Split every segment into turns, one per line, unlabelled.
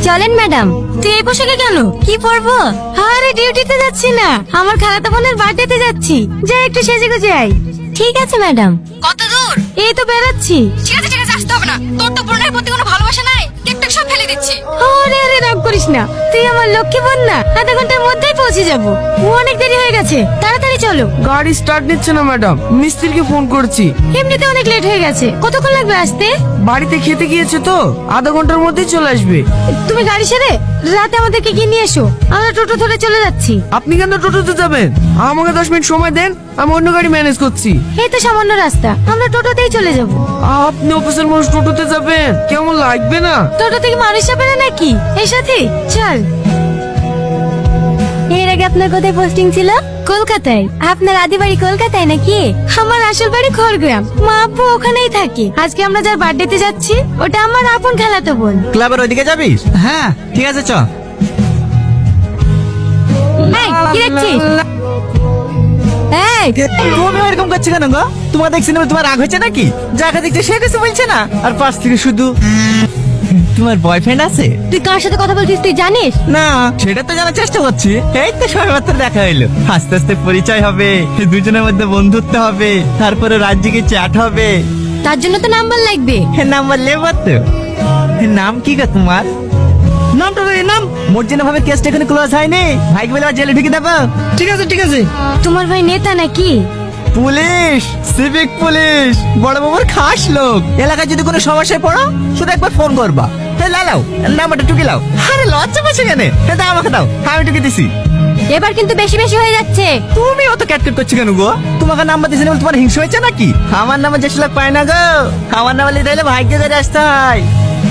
চলেন ম্যাডাম। তুই এই পোশাকে কেন? কি পরবো? আরে ডিউটিতে যাচ্ছি না, আমার খালাতো বোনের বার্থডেতে যাচ্ছি। যাই একটু সেজে গুজে আই। ঠিক আছে ম্যাডাম। কত দূর? এই তো বেরাচ্ছি। ঠিক আছে ঠিক আছে, আসতে হবে না। তোর তো বোনের প্রতি কোনো ভালোবাসা নাই, কেকটা সব ফেলে দিচ্ছি। আরে আরে রাগ করিস না, তুই আমার লক্ষ্মী বোন না। আধা ঘন্টার মধ্যেই পৌঁছে যাবো। অনেক দেরি হয়ে গেছে, তাড়াতাড়ি চলো।
গাড়ি স্টার্ট নিচ্ছে না ম্যাডাম, মিস্ত্রিকে ফোন করছি।
এমনিতে অনেক লেট হয়ে গেছে, কতক্ষণ লাগবে আসতে?
বাড়িতে খেতে গিয়েছে তো, আধা ঘন্টার মধ্যেই চলে আসবে।
তুমি গাড়ি সেরে রাতে আমাদেরকে কি নিয়ে এসো, আমরা টোটো ধরে চলে যাচ্ছি।
আপনি কেন টোটোতে যাবেন? আমাকে 10 মিনিট সময় দেন, আমি অন্য গাড়ি ম্যানেজ করছি।
এই তো সামান্য রাস্তা, আমরা টোটোতেই চলে যাব।
আপনি অফিসের মানুষ টোটোতে যাবেন, কেমন লাগবে না?
টোটো থেকে মানুষ যাবে না নাকি? এই সাথে চল। এর আগে আপনার কোথায় পোস্টিং ছিল? কলকাতায়। আপনার আদি বাড়ি কলকাতায় নাকি? আমার আসল বাড়ি খড়গ্রাম, মা আব্বু ওখানেই থাকে। আজকে আমরা যার বার্থডেতে যাচ্ছি, ওটা আমার আপন খালাতো বোন।
ক্লাবের ওইদিকে যাবি? হ্যাঁ ঠিক আছে চ।
এই, কি দেখছিস? এই,
তুমি এরকম করছো কেন গো? তোমার দেখছি না, তোমার রাগ হয়েছে নাকি? যাকে দেখছে সে কিছু বলছে না, আর পাশ থেকে শুধু তোমার বয়ফ্রেন্ড আছে?
তুই কার সাথে কথা বলছিস তুই জানিস?
না সেটা তো জানার চেষ্টা করছি। এই তো সবে মাত্র দেখা হইলো, আস্তে আস্তে পরিচয় হবে, দুজনের মধ্যে বন্ধুত্ব হবে, তারপরে রাজ্যে চ্যাট হবে।
তার জন্য তো নাম্বার লাগবে।
নাম্বার লেবার তো। নাম কি গো তোমার? নামটা তো এই নাম। মর্জিনা ভাবে কেসটা এখানে ক্লোজ হয়নি, ভাইকে বলে জেলে ঢুকে দেবো। ঠিক আছে ঠিক আছে।
তোমার ভাই নেতা নাকি?
পুলিশ, সিভিক পুলিশ, বড় বাবুর খাস লোক। এলাকায় যদি কোনো সমস্যায় পড়ো শুধু একবার ফোন করবা। লাও নাম্বারটা টুকে লাও। আরে লজ্জা পাচ্ছে কেন? দাও আমাকে দাও, আমি টুকে দিছি।
এবার কিন্তু বেশি বেশি হয়ে যাচ্ছে।
তুমি অত ক্যাটকেট করছো কেন গো? তোমাকে নাম্বার দিয়েছি না বলে তোমার হিংসা হয়েছে নাকি? আমার নাম্বার যেসব লোক পায় না গো, আমার নাম্বার নিতে হলে ভাগ্য ধরে আসতে হয়।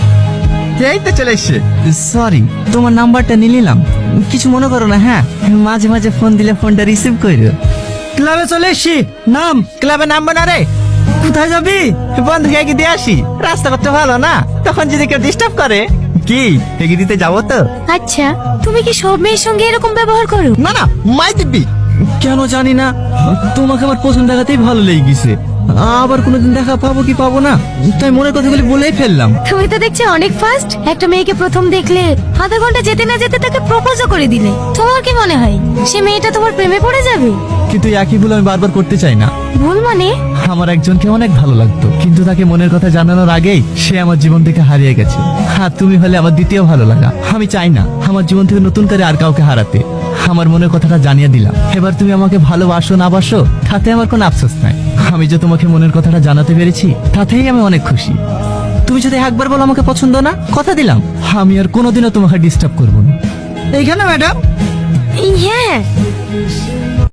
এই তো চলে এসছে। সরি, তোমার নাম্বারটা নিয়ে নিলাম, কিছু মনে করো না। হ্যাঁ, মাঝে মাঝে ফোন দিলে ফোনটা রিসিভ করো। ক্লাবে চলে এসছি। নাম? ক্লাবে নামবো না রে। কোথায় যাবি? বন্ধুকে এগিয়ে দিয়ে আসি, রাস্তা করতে ভালো না, তখন যদি কেউ ডিস্টার্ব করে। কি এগিয়ে দিতে যাবো তো?
আচ্ছা, তুমি কি সব মেয়ের সঙ্গে এরকম ব্যবহার করো?
না না, মাই দিব্যি। কেন জানি না, তোমাকে আমার পছন্দ দেখাতেই ভালো লেগে গেছে। আবার কোনোদিন দেখা পাবো কি পাবো না, তাই মনের কথাগুলি বলেই ফেললাম।
তুমি তো দেখছি অনেক ফাস্ট। একটা মেয়েকে প্রথম দেখলে আধা ঘন্টা যেতে না যেতে তাকে প্রপোজও করে দিলে। তোমার কি মনে হয় সে মেয়েটা তোমার প্রেমে পড়ে যাবে?
কিন্তু একই ভুল আমি বারবার করতে চাই না।
ভুল মানে?
আমার একজনকে অনেক ভালো লাগতো, কিন্তু তাকে মনের কথা জানানোর আগেই সে আমার জীবন থেকে হারিয়ে গেছে। হ্যাঁ, তুমি হলে আমার দ্বিতীয় ভালো লাগা। আমি চাই না আমার জীবন থেকে নতুন করে আর কাউকে হারাতে। আমার মনের কথাটা জানিয়ে দিলাম, এবার তুমি আমাকে ভালোবাসো না বাসো তাতে আমার কোনো আফসোস নাই। আমি যে তোমাকে মনের কথাটা জানাতে পেরেছি তাতেই আমি অনেক খুশি। তুমি যদি একবার বলো আমাকে পছন্দ না, কথা দিলাম আমি আর কোনোদিনও তোমাকে ডিস্টার্ব করবো না। এইখানে ম্যাডাম?
হ্যাঁ